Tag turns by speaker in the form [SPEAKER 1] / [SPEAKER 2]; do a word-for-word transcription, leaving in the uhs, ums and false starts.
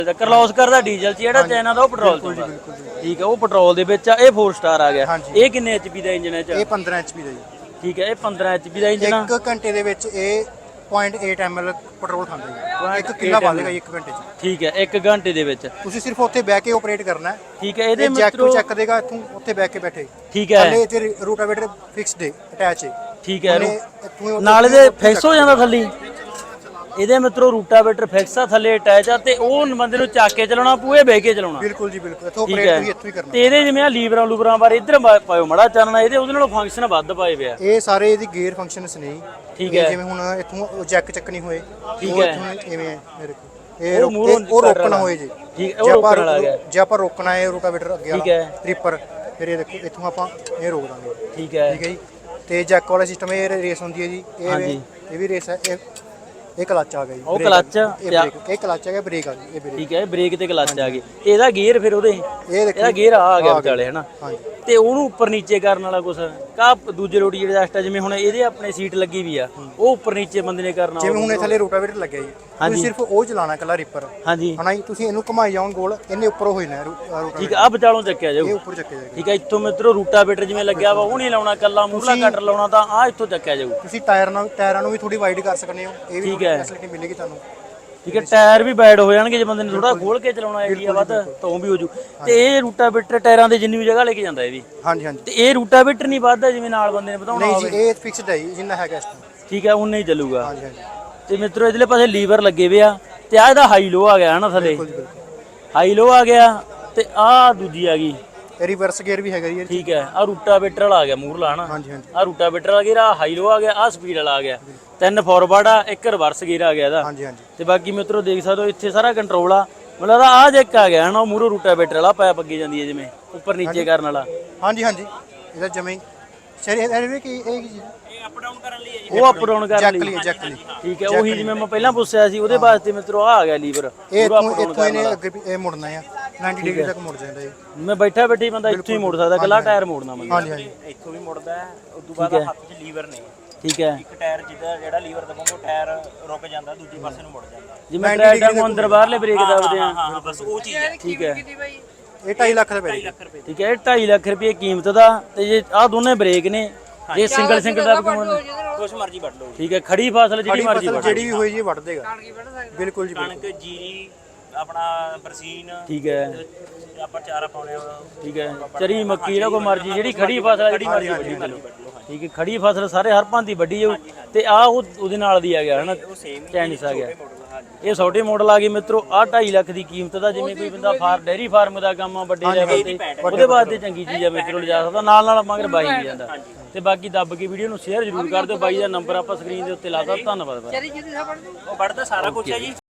[SPEAKER 1] ਕਰਲੋਸ ਕਰਦਾ ਡੀਜ਼ਲ ਚ, ਜਿਹੜਾ ਚਾਈਨਾ ਦਾ ਉਹ ਪੈਟਰੋਲ ਚ ਹੁੰਦਾ। ਠੀਕ ਹੈ, ਉਹ ਪੈਟਰੋਲ ਦੇ ਵਿੱਚ ਆ। ਇਹ फोर ਸਟਾਰ ਆ ਗਿਆ। ਇਹ ਕਿੰਨੇ ਐਚਪੀ ਦਾ ਇੰਜਨ ਹੈ?
[SPEAKER 2] ਇਹ ਪੰਦਰਾਂ ਐਚਪੀ ਦਾ ਜੀ।
[SPEAKER 1] ਠੀਕ ਹੈ, ਇਹ ਪੰਦਰਾਂ ਐਚਪੀ ਦਾ ਇੰਜਨ ਆ।
[SPEAKER 2] ਇੱਕ ਘੰਟੇ ਦੇ ਵਿੱਚ ਇਹ ਪੁਆਇੰਟ ਅੱਠ ਐਮਐਲ ਪੈਟਰੋਲ ਖਾਂਦਾ ਜੀ। ਇੱਕ ਕਿੱਲਾ ਬਾਲੇਗਾ ਇੱਕ ਘੰਟੇ ਚ।
[SPEAKER 1] ਠੀਕ ਹੈ, ਇੱਕ ਘੰਟੇ ਦੇ ਵਿੱਚ
[SPEAKER 2] ਤੁਸੀਂ ਸਿਰਫ ਉੱਥੇ ਬਹਿ ਕੇ ਆਪਰੇਟ ਕਰਨਾ ਹੈ।
[SPEAKER 1] ਠੀਕ ਹੈ, ਇਹਦੇ
[SPEAKER 2] ਜੈਕ
[SPEAKER 1] ਮਿੱਤਰੋ
[SPEAKER 2] ਨੂੰ ਚੱਕ ਦੇਗਾ ਇੱਥੋਂ, ਉੱਥੇ ਬਹਿ ਕੇ ਬੈਠੇ।
[SPEAKER 1] ਠੀਕ ਹੈ,
[SPEAKER 2] ਥੱਲੇ ਤੇ ਰੂਟਾਵੇਟਰ ਫਿਕਸਡ ਹੈ, ਅਟੈਚ ਹੈ।
[SPEAKER 1] ਠੀਕ ਹੈ,
[SPEAKER 2] ਇੱਥੋਂ
[SPEAKER 1] ਨਾਲ ਇਹਦੇ ਫਿਕਸ ਹੋ ਜਾਂਦਾ ਥੱਲੇ। ਇਹਦੇ ਮਿੱਤਰੋ ਰੂਟਾਵੇਟਰ ਫਿਕਸ ਆ, ਥੱਲੇ ਅਟੈਚ ਆ, ਤੇ ਉਹ ਬੰਦੇ ਨੂੰ ਚੱਕ ਕੇ ਚਲਾਉਣਾ ਪੂਏ ਬਹਿ ਕੇ ਚਲਾਉਣਾ।
[SPEAKER 2] ਬਿਲਕੁਲ ਜੀ ਬਿਲਕੁਲ, ਇੱਥੋਂ ਆਪਰੇਟ ਵੀ ਇੱਥੋਂ ਹੀ ਕਰਨਾ।
[SPEAKER 1] ਤੇ ਇਹਦੇ ਜਿਵੇਂ ਆ ਲੀਵਰਾਂ ਲੂਵਰਾਂ ਬਾਰੇ ਇੱਧਰ ਪਾਇਓ ਮੜਾ ਚਾਨਣਾ, ਇਹਦੇ ਉਹਦੇ ਨਾਲੋਂ ਫੰਕਸ਼ਨ ਵੱਧ ਪਾਏ ਪਿਆ।
[SPEAKER 2] ਇਹ ਸਾਰੇ ਇਹਦੀ ਗੇਅਰ ਫੰਕਸ਼ਨਸ ਨੇ।
[SPEAKER 1] ਠੀਕ ਹੈ,
[SPEAKER 2] ਜਿਵੇਂ ਹੁਣ ਇੱਥੋਂ ਜੈਕ ਚੱਕਣੀ ਹੋਏ,
[SPEAKER 1] ਠੀਕ
[SPEAKER 2] ਉਹ
[SPEAKER 1] ਹੈ,
[SPEAKER 2] ਇੱਥੋਂ ਇਵੇਂ ਹੈ ਮੇਰੇ ਕੋਲ। ਇਹ ਉਹ ਰੋਕਣਾ ਹੋਏ ਜੀ।
[SPEAKER 1] ਠੀਕ ਹੈ, ਉਹ ਰੋਕਣ ਵਾਲਾ ਗਿਆ।
[SPEAKER 2] ਜੇ ਆਪਾਂ ਰੋਕਣਾ ਹੈ ਰੂਟਾਵੇਟਰ ਅੱਗੇ
[SPEAKER 1] ਠੀਕ ਹੈ,
[SPEAKER 2] ਟ੍ਰਿਪਰ, ਫਿਰ ਇਹ ਦੇਖੋ ਇੱਥੋਂ ਆਪਾਂ ਇਹ ਰੋਕ ਦਾਂਗੇ।
[SPEAKER 1] ਠੀਕ ਹੈ,
[SPEAKER 2] ਠੀਕ ਹੈ ਜੀ। ਤੇ ਜੈਕ ਵਾਲਾ ਸਿਸਟਮ, ਇਹ ਰੇਸ ਹੁੰਦੀ ਹੈ ਜੀ। ਇਹ ਇਹ ਵੀ ਰੇਸ ਹੈ। ਇਹ ਇਹ ਕਲੱਚ ਆ ਗਿਆ ਜੀ।
[SPEAKER 1] ਉਹ ਕਲੱਚ
[SPEAKER 2] ਇਹ ਕਲੱਚ ਆ ਗਿਆ, ਬ੍ਰੇਕ ਆ ਗਈ। ਇਹ ਬ੍ਰੇਕ।
[SPEAKER 1] ਠੀਕ ਹੈ, ਬ੍ਰੇਕ ਤੇ ਕਲੱਚ ਆ ਗਈ। ਤੇ ਇਹਦਾ ਗੇਅਰ ਫਿਰ ਉਹਦੇ
[SPEAKER 2] ਇਹ ਦੇਖੋ,
[SPEAKER 1] ਇਹਦਾ ਗੇਅਰ ਆ ਗਿਆ ਵਿਚਾਲੇ ਹਨਾ।
[SPEAKER 2] ਹਾਂਜੀ।
[SPEAKER 1] ਤੇ ਉਹਨੂੰ ਉੱਪਰ ਨੀਚੇ ਕਰਨ ਵਾਲਾ ਕੁਛ ਕਾ ਦੂਜੇ ਰੋਟੀ ਐਡਜਸਟ ਆ, ਜਿਵੇਂ ਹੁਣ ਇਹਦੇ ਆਪਣੇ ਸੀਟ ਲੱਗੀ ਵੀ ਆ, ਉਹ ਉੱਪਰ ਨੀਚੇ ਬੰਦੇ ਨੇ ਕਰਨਾ।
[SPEAKER 2] ਜਿਵੇਂ ਹੁਣ ਇਹ ਥੱਲੇ ਰੋਟਾਵੇਟਰ ਲੱਗਿਆ ਜੀ, ਤੁਸੀਂ ਸਿਰਫ ਉਹ ਚਲਾਣਾ ਕੱਲਾ ਰਿਪਰ।
[SPEAKER 1] ਹਾਂਜੀ
[SPEAKER 2] ਹਨਾ ਜੀ, ਤੁਸੀਂ ਇਹਨੂੰ ਘੁਮਾਈ ਜਾਓਗੇ ਗੋਲ, ਇਹਨੇ ਉੱਪਰ ਹੋ ਜਾਣਾ ਰੋਟਾਵੇਟਰ।
[SPEAKER 1] ਠੀਕ ਆ, ਵਿਚਾਲੋਂ ਚੱਕਿਆ ਜਾਊ।
[SPEAKER 2] ਇਹ ਉੱਪਰ ਚੱਕਿਆ ਜਾਏਗਾ।
[SPEAKER 1] ਠੀਕ ਹੈ, ਇੱਥੋਂ ਮਿੱਤਰੋ ਰੂਟਾਵੇਟਰ ਜਿਵੇਂ ਲੱਗਿਆ ਵਾ ਉਹ ਨਹੀਂ ਲਾਉਣਾ, ਕੱਲਾ ਮੂਹਲਾ ਕਟਰ ਲਾਉਣਾ, ਤਾਂ ਆ ਇੱਥੋਂ ਚੱਕਿਆ ਜਾਊ।
[SPEAKER 2] ਤੁਸੀਂ ਟਾਇਰ ਨਾਲ ਟਾਇਰਾਂ ਨੂੰ ਵੀ ਥੋੜੀ ਵਾਈਡ ਕਰ ਸਕਦੇ ਹੋ। ਇਹ ਵੀ
[SPEAKER 1] ਠੀਕ ਹੈ,
[SPEAKER 2] ਫੈਸਿਲਿਟੀ ਮਿਲੇਗੀ ਤੁਹਾਨੂੰ।
[SPEAKER 1] ਠੀਕ ਹੈ, ਟਾਇਰ ਵੀ ਵਾਈਡ ਹੋ ਜਾਣਗੇ ਜੇ ਬੰਦੇ ਨੇ ਥੋੜਾ ਖੋਲ ਕੇ ਚਲਾਉਣਾ ਏਰੀਆ ਵੱਧ ਤਾਂ ਉਹ ਵੀ ਹੋ ਜੂ। ਤੇ ਇਹ ਰੂਟਾਵੇਟਰ ਟਾਇਰਾਂ ਦੇ ਜਿੰਨੀ ਵੀ ਜਗ੍ਹਾ ਲੈ ਕੇ ਜਾਂਦਾ ਇਹ ਵੀ।
[SPEAKER 2] ਹਾਂਜੀ ਹਾਂਜੀ।
[SPEAKER 1] ਤੇ ਇਹ ਰੂਟਾਵੇਟਰ ਨਹੀਂ ਵੱਧਦਾ ਜਿਵੇਂ ਨਾਲ ਬੰਦੇ ਨੇ ਵਧਾਉਣਾ
[SPEAKER 2] ਨਹੀਂ
[SPEAKER 1] ਹੋਵੇ?
[SPEAKER 2] ਜੀ, ਇਹ ਫਿਕਸਡ ਹੈ ਜੀ, ਜਿੰਨਾ ਹੈਗਾ ਇਸ ਟਾਈਮ।
[SPEAKER 1] ਠੀਕ ਹੈ, ਉਨਾ ਹੀ ਚੱਲੂਗਾ।
[SPEAKER 2] ਹਾਂਜੀ ਹਾਂਜੀ।
[SPEAKER 1] ਤੇ ਮਿੱਤਰੋ ਇਧਰਲੇ ਪਾਸੇ ਲੀਵਰ ਲੱਗੇ ਵੇ ਆ, ਤੇ ਆ ਇਹਦਾ ਹਾਈ ਲੋ ਆ ਗਿਆ ਹਨਾ ਥੱਲੇ। ਹਾਈ ਲੋ ਆ ਗਿਆ, ਤੇ ਆ ਦੂਜੀ ਆ ਗਈ
[SPEAKER 2] ਰਿਵਰਸ ਗੇਅਰ ਵੀ ਹੈਗਾ ਜੀ।
[SPEAKER 1] ਠੀਕ ਹੈ, ਆ ਰੂਟਾਵੇਟਰ ਵਾਲਾ ਆ ਗਿਆ ਮੂਹਰਲਾ ਹਨਾ।
[SPEAKER 2] ਹਾਂਜੀ ਹਾਂਜੀ।
[SPEAKER 1] ਆ ਰੂਟਾਵੇਟਰ ਵਾਲਾ ਗੇਅਰ, ਆ ਹਾਈ ਲੋ ਆ ਗਿਆ, ਆ ਸਪੀਡ ਵਾਲਾ ਆ ਗਿਆ, ਤਿੰਨ ਫਾਰਵਰਡ ਆ, ਇੱਕ ਰਿਵਰਸ ਗੇਅਰ ਆ ਗਿਆ ਇਹਦਾ।
[SPEAKER 2] ਹਾਂਜੀ ਹਾਂਜੀ।
[SPEAKER 1] ਤੇ ਬਾਕੀ ਮਿੱਤਰੋ ਦੇਖ ਸਕਦੇ ਹੋ ਇੱਥੇ ਸਾਰਾ ਕੰਟਰੋਲ ਆ। ਮਤਲਬ ਆ ਜੈਕ ਆ ਗਿਆ ਹਨਾ, ਉਹ ਮੂਹਰੋਂ ਰੂਟਾਵੇਟਰ ਵਾਲਾ ਪਾਇਪ ਅੱਗੇ ਜਾਂਦੀ ਹੈ ਜਿਵੇਂ ਉੱਪਰ ਨੀਚੇ ਕਰਨ ਵਾਲਾ।
[SPEAKER 2] ਹਾਂਜੀ ਹਾਂਜੀ। ਇਹਦਾ ਜਮੇ ਸ਼ਰੀ ਇਹ ਕੀ ਇਹ ਕੀ
[SPEAKER 1] ਅਪ ਡਾਊਨ ਕਰਨ ਲਈ ਹੈ ਜੀ। ਉਹ ਅਪ ਡਾਊਨ ਕਰਨ ਲਈ
[SPEAKER 2] ਜੈਕ ਲਈ।
[SPEAKER 1] ਠੀਕ ਹੈ, ਉਹੀ ਜਿਵੇਂ ਮੈਂ ਪਹਿਲਾਂ ਪੁੱਛਿਆ ਸੀ ਉਹਦੇ ਵਾਸਤੇ ਮਿੱਤਰੋ ਆ ਗਿਆ ਲੀਵਰ।
[SPEAKER 2] ਇਹ ਇੱਥੋਂ ਇਹਨੇ ਅੱਗੇ ਇਹ ਮੁੜਨਾ ਆ, ਨੱਬੇ ਡਿਗਰੀ ਤੱਕ ਮੁੜ ਜਾਂਦਾ ਜੀ।
[SPEAKER 1] ਮੈਂ ਬੈਠਾ ਬੈਠੀ ਬੰਦਾ ਇੱਥੋਂ ਹੀ ਮੁੜ ਸਕਦਾ, ਕੱਲਾ ਟਾਇਰ ਮੋੜਨਾ ਮੈਂ।
[SPEAKER 2] ਹਾਂਜੀ ਹਾਂਜੀ।
[SPEAKER 3] ਇੱਥੋਂ ਵੀ ਮੁੜਦਾ ਹੈ, ਉਸ ਤੋਂ ਬਾਅਦ ਹੱਥ 'ਚ ਲੀਵਰ ਨੇ।
[SPEAKER 1] ਠੀਕ ਹੈ,
[SPEAKER 3] ਇੱਕ ਟਾਇਰ ਜਿਹਦਾ ਜਿਹੜਾ ਲੀਵਰ ਦਬਾਉਂਗਾ ਟਾਇਰ ਰੁਕ ਜਾਂਦਾ, ਦੂਜੇ ਪਾਸੇ ਨੂੰ ਮੁੜ ਜਾਂਦਾ।
[SPEAKER 1] ਜਿਵੇਂ ਟਰੈਕਟਰ ਨੂੰ ਅੰਦਰ ਬਾਹਰਲੇ ਬ੍ਰੇਕ ਦਬਦੇ ਆ।
[SPEAKER 3] ਹਾਂ ਬਸ ਉਹ ਚੀਜ਼ ਹੈ।
[SPEAKER 1] ਠੀਕ ਹੈ,
[SPEAKER 2] ਇਹ ਢਾਈ ਲੱਖ ਦਾ ਪੈ ਗਿਆ।
[SPEAKER 1] ਠੀਕ ਹੈ, ਇਹ ਢਾਈ ਲੱਖ ਰੁਪਏ ਕੀਮਤ ਦਾ। ਤੇ ਜੇ ਆਹ ਦੋਨੇ ਬ੍ਰੇਕ ਨੇ, ਜੇ ਸਿੰਗਲ ਸਿੰਗਲ ਦਾ
[SPEAKER 3] ਕੁਛ ਮਰਜ਼ੀ ਵੱਢ ਲਓ।
[SPEAKER 1] ਠੀਕ ਹੈ, ਖੜੀ ਫਸਲ ਜਿਹੜੀ ਮਰਜ਼ੀ ਵੱਢ,
[SPEAKER 2] ਜਿਹੜੀ ਵੀ ਹੋਈ ਜੀ ਵੱਢ ਦੇਗਾ। ਬਿਲਕੁਲ ਜੀ।
[SPEAKER 3] ਕਣਕ, ਜੀਰੀ, ਆਪਣਾ ਬਰਸੀਨ,
[SPEAKER 1] ਠੀਕ ਹੈ,
[SPEAKER 3] ਆਪਾਂ ਚਾਰਾ ਪਾਉਣੇ ਆ।
[SPEAKER 1] ਠੀਕ ਹੈ, ਚਰੀ ਮੱਕੀ ਜਿਹੜਾ ਕੋ ਮਰਜ਼ੀ ਜਿਹੜੀ ਖੜੀ ਫਸਲ ਜਿਹੜੀ ਮਰਜ਼ੀ ਵੱਢੀ ਚਲੋ। ਠੀਕ ਹੈ, ਖੜੀ ਫਸਲ ਸਾਰੇ ਹਰ ਭਾਂਤੀ ਵੱਢੀ ਜਾਊ। ਤੇ ਆ ਉਹ ਉਹਦੇ ਨਾਲ ਦੀ ਆ ਗਿਆ ਹਨਾ, ਚਾਈਨੀਸ ਆ ਗਿਆ। ਇਹ ਛੋਟੇ ਮਾਡਲ ਆ ਗਏ ਮਿੱਤਰੋ। ਆ ਢਾਈ ਲੱਖ ਦੀ ਕੀਮਤ ਦਾ, ਜਿਵੇਂ ਕੋਈ ਬੰਦਾ ਫਾਰ ਡੇਅਰੀ ਫਾਰਮ ਦਾ ਕੰਮ ਆ ਵੱਡੇ ਲੈਵਲ ਤੇ, ਉਹਦੇ ਵਾਸਤੇ ਚੰਗੀ ਚੀਜ਼ ਆ ਮਿੱਤਰੋ, ਲਿਜਾ ਸਕਦਾ। ਨਾਲ ਨਾਲ ਮਗਰ ਬਾਈ ਨਹੀਂ ਜਾਂਦਾ। ਤੇ ਬਾਕੀ ਦੱਬ ਕੇ ਵੀਡੀਓ ਨੂੰ ਸ਼ੇਅਰ ਜ਼ਰੂਰ ਕਰ ਦਿਓ। ਬਾਈ ਦਾ ਨੰਬਰ ਆਪਾਂ ਸਕਰੀਨ ਦੇ ਉੱਤੇ ਲਾਤਾ। ਧੰਨਵਾਦ ਬਾਈ।
[SPEAKER 3] ਉਹ ਵੱਢਦਾ ਸਾਰਾ ਕੁਝ ਹੈ ਜੀ।